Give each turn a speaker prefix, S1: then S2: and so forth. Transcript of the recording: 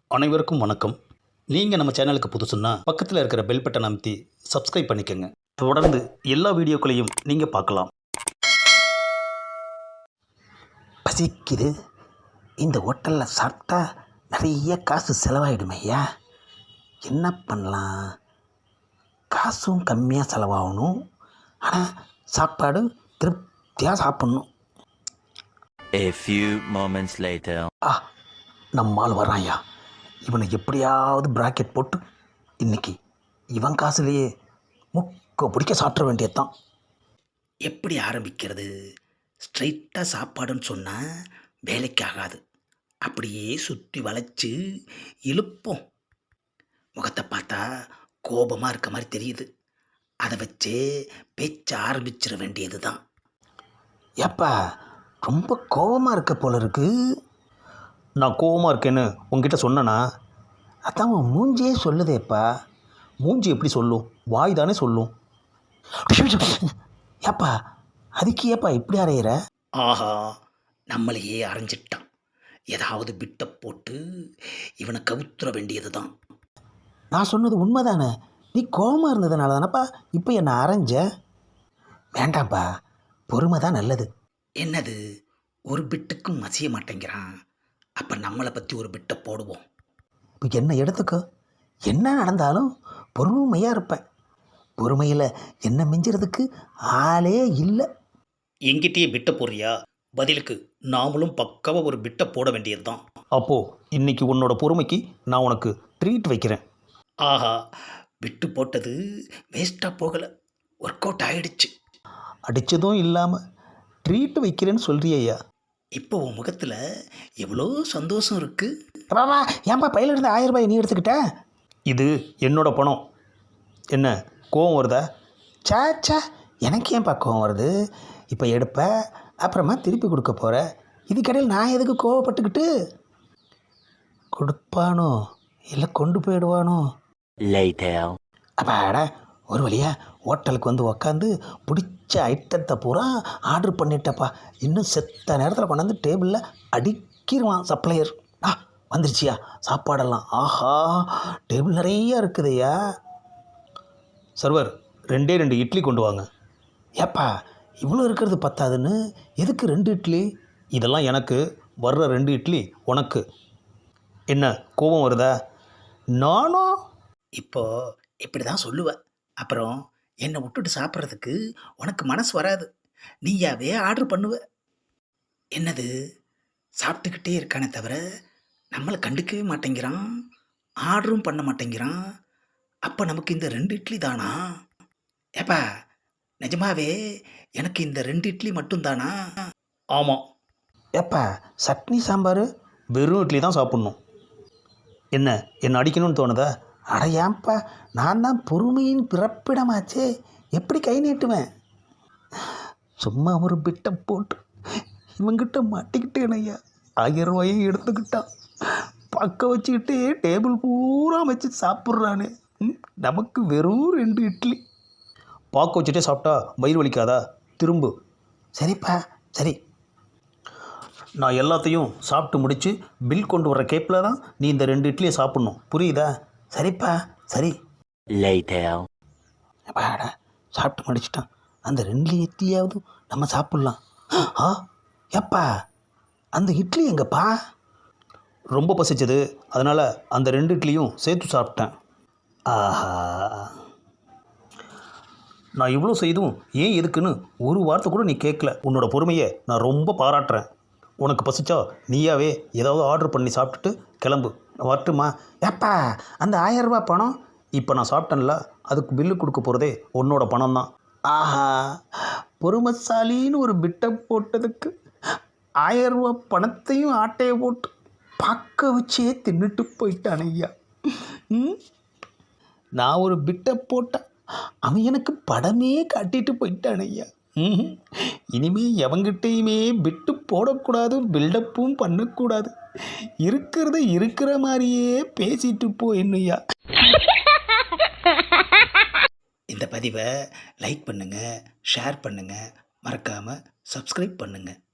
S1: அனைவருக்கும் வணக்கம். நீங்கள் நம்ம சேனலுக்கு புதுசுன்னா பக்கத்தில் இருக்கிற பெல் பட்டன் அமைத்தி சப்ஸ்கிரைப் பண்ணிக்கோங்க. தொடர்ந்து எல்லா வீடியோக்களையும் நீங்கள் பார்க்கலாம்.
S2: பசிக்குது. இந்த ஹோட்டலில் சாப்பிட்டா நிறைய காசு செலவாயிடும் ஐயா. என்ன பண்ணலாம்? காசும் கம்மியாக செலவாகணும், ஆனால் சாப்பாடு திருப்தியாக சாப்பிட்ணும்.
S3: A few moments later.
S2: நம்மால் வரான் ஐயா. இவனை எப்படியாவது பிராக்கெட் போட்டு இன்னைக்கு இவன் காசுலேயே முக்க பிடிக்க சாப்பிட வேண்டியதுதான். எப்படி ஆரம்பிக்கிறது? ஸ்ட்ரைட்டாக சாப்பாடுன்னு சொன்னால் வேலைக்கு ஆகாது. அப்படியே சுற்றி வளைச்சு இழுப்போம். முகத்தை பார்த்தா கோபமாக இருக்க மாதிரி தெரியுது. அதை வச்சு பேச்ச ஆரம்பிச்சிட வேண்டியது தான். ஏப்பா, ரொம்ப கோபமாக இருக்க போல இருக்கு.
S1: நான் கோவமாக இருக்கேன்னு உங்ககிட்ட சொன்னேனா?
S2: அதான் உன் மூஞ்சியே சொல்லுதேப்பா.
S1: மூஞ்சி எப்படி சொல்லும்? வாய் தானே சொல்லும்.
S2: ஏப்பா, அதுக்கு ஏப்பா இப்படி அறையிற?
S4: ஆஹா, நம்மளையே அரைஞ்சிட்டான். ஏதாவது பிட்டை போட்டு இவனை கவுத்துற வேண்டியது தான்.
S2: நான் சொன்னது உண்மைதானே. நீ கோபமாக இருந்ததுனால தானப்பா இப்போ என்னை அரைஞ்ச. வேண்டாம்ப்பா, பொறுமை தான் நல்லது. என்னது, ஒரு பிட்டுக்கும் மசிய மாட்டேங்கிறான். அப்போ நம்மளை பற்றி ஒரு பிட்டை போடுவோம். இப்போ என்ன எடுத்துக்கோ. என்ன நடந்தாலும் பொறுமையாக இருப்பேன். பொறுமையில் என்ன மிஞ்சுறதுக்கு ஆளே இல்லை.
S4: எங்கிட்டயே பிட்டை போடுறியா? பதிலுக்கு நாமளும் பக்காவாக ஒரு பிட்டை போட வேண்டியது தான்.
S1: அப்போது இன்னைக்கு உன்னோட பொறுமைக்கு நான் உனக்கு ட்ரீட் வைக்கிறேன்.
S4: ஆஹா, விட்டு போட்டது வேஸ்ட்டாக போகலை, ஒர்க் அவுட் ஆகிடுச்சு.
S1: அடித்ததும் இல்லாமல் ட்ரீட் வைக்கிறேன்னு சொல்கிறியா?
S4: இப்போ உன் முகத்தில் எவ்வளோ சந்தோஷம் இருக்குது.
S2: பாபா, ஏன்பா பையில இருந்து 1000 ரூபாய் நீ எடுத்துக்கிட்ட?
S1: இது என்னோட பணம். என்ன கோவம் வருதா?
S2: சாச்சா, எனக்கு ஏன்பா கோவம் வருது? இப்போ எடுப்ப, அப்புறமா திருப்பி கொடுக்க போகிற. இதுக்கடையில் நான் எதுக்கு கோவப்பட்டுக்கிட்டு? கொடுப்பானோ இல்லை கொண்டு போயிடுவானோ?
S3: Later.
S2: அப்பாடா, ஒரு வழியா ஹோட்டலுக்கு வந்து உக்காந்து பிடிச்ச ஐட்டத்தை பூரா ஆர்டர் பண்ணிட்டப்பா. இன்னும் செத்த நேரத்தில் கொண்டாந்து டேபிளில் அடிக்கிடுவான் சப்ளையர். வந்துருச்சியா சாப்பாடெல்லாம்? ஆஹா, டேபிள் நிறையா இருக்குதுய்யா.
S1: சர்வர், 2 இட்லி கொண்டு வாங்க.
S2: ஏப்பா, இவ்வளோ இருக்கிறது பத்தாதுன்னு எதுக்கு 2 இட்லி?
S1: இதெல்லாம் எனக்கு, வர்ற 2 இட்லி உனக்கு. என்ன கோபம் வருதா?
S2: நானும்
S4: இப்போ இப்படி தான் சொல்லுவேன். அப்புறம் என்னை விட்டுட்டு சாப்பிட்றதுக்கு உனக்கு மனசு வராது. நீயாவே ஆர்டர் பண்ணுவ. என்னது, சாப்பிட்டுக்கிட்டே இருக்கானே தவிர நம்மளை கண்டுக்கவே மாட்டேங்கிறான், ஆர்டரும் பண்ண மாட்டேங்கிறான். அப்போ நமக்கு இந்த 2 இட்லி தானா? ஏப்பா, நிஜமாவே எனக்கு இந்த 2 இட்லி மட்டும்தானா?
S1: ஆமாம்.
S2: ஏப்பா, சட்னி சாம்பார்?
S1: வெறும் இட்லி தான் சாப்பிட்ணும். என்ன அடிக்கணும்னு தோணுதா?
S2: அட ஏன்பா, நான் தான் பொறுமையின் பிறப்பிடமாச்சே, எப்படி கை நீட்டுவேன்? சும்மா ஒரு பிட்டை போட்டு இவங்கிட்ட மாட்டிக்கிட்டேன் ஐயா. 1000 ரூபாயும் எடுத்துக்கிட்டான். பக்கம் வச்சுக்கிட்டே டேபிள் பூரா வச்சு சாப்பிட்றானே. நமக்கு வெறும் 2 இட்லி.
S1: பாக்க வச்சுட்டே சாப்பிட்டா வயிறு வலிக்காதா? திரும்பு.
S2: சரிப்பா, சரி.
S1: நான் எல்லாத்தையும் சாப்பிட்டு முடித்து பில் கொண்டு வர்ற கேப்பில் தான் நீ இந்த 2 இட்லியை சாப்பிட்ணும். புரியுதா?
S2: சரிப்பா, சரி.
S3: Later.
S2: அப்பாடா, சாப்பிட்டு முடிச்சிட்டான். அந்த 2 இட்லியாவது நம்ம சாப்பிட்லாம். ஏப்பா, அந்த இட்லி எங்கப்பா?
S1: ரொம்ப பசிச்சது, அதனால் அந்த 2 இட்லியும் சேர்த்து சாப்பிட்டேன்.
S2: ஆஹா,
S1: நான் இவ்வளோ செய்தும் ஏன் எதுக்குன்னு ஒரு வார்த்தை கூட நீ கேட்கல. உன்னோட பொறுமையை நான் ரொம்ப பாராட்டுறேன். உனக்கு பசிச்சா நீயாவே ஏதாவது ஆர்டர் பண்ணி சாப்பிட்டுட்டு கிளம்பு. நான் வரட்டுமா?
S2: ஏப்பா, அந்த 1000 ரூபாய் பணம்?
S1: இப்போ நான் சாப்பிட்டேன்ல, அதுக்கு பில்லு கொடுக்க போகிறதே உன்னோட பணம் தான்.
S2: ஆஹா, பொறுமைசாலின்னு ஒரு பிட்டை போட்டதுக்கு 1000 ரூபாய் பணத்தையும் ஆட்டையை போட்டு பக்க வச்சே தின்னுட்டு போயிட்டான் ஐயா. நான் ஒரு பிட்டை போட்டேன், அவன் எனக்கு படமே காட்டிட்டு போயிட்டான் ஐயா. இனிமே எவங்கிட்டையுமே பிட்டு போடக்கூடாது, பில்டப்பும் பண்ணக்கூடாது. இருக்கிறத இருக்கிற மாதிரியே பேசிட்டு போ என்னையா. இந்த பதிவை லைக் பண்ணுங்கள், ஷேர் பண்ணுங்கள், மறக்காமல் சப்ஸ்கிரைப் பண்ணுங்கள்.